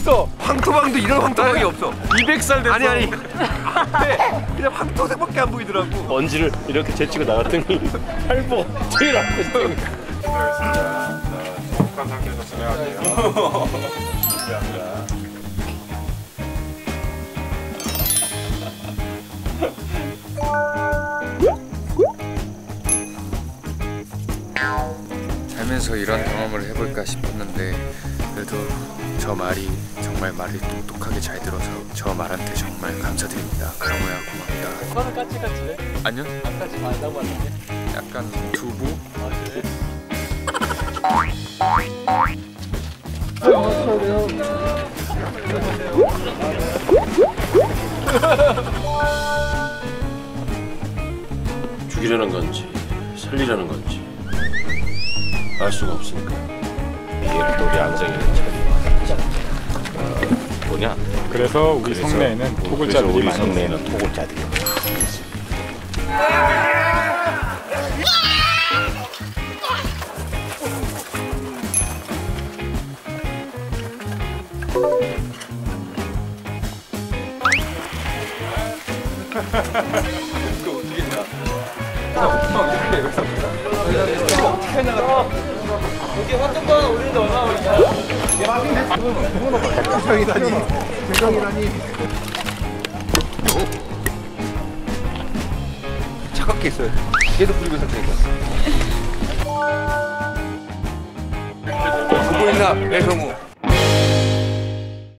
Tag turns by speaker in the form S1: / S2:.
S1: 없어.
S2: 황토방도 이런 황토방이 없어.
S1: 200살 됐어.
S2: 아니 그냥 황토색밖에 안 보이더라고.
S3: 먼지를 이렇게 제치고 나갔더니 팔보 제일 앞에 있더니.
S1: 알겠습니다. 축한 상태에서 진행할게요. 준비합니다.
S4: 살면서 이런 경험을 해볼까 싶었는데 그래도 저 말이 정말 말을 똑똑하게 잘 들어서 저 말한테 정말 감사드립니다. 강호야 고맙다.
S5: 오빠는 까칠까칠해?
S4: 아니요?
S5: 아까지 말라고 하는데?
S4: 약간 두부?
S5: 아 그래?
S3: 죽이려는 건지 살리려는 건지 알 수가 없으니까. 이게 또 우리 안생이는 참 뭐냐?
S1: 그래서 우리 성내에는 토굴자들이
S3: 우리
S1: 많이
S3: 성내에는 토굴자들이.
S5: 여기 환경권 올리는데 얼마나 걸리냐?
S2: 대성이라니. 차갑게 있어요. 계속 불리고 있었으니까. 보고 있나 배성우.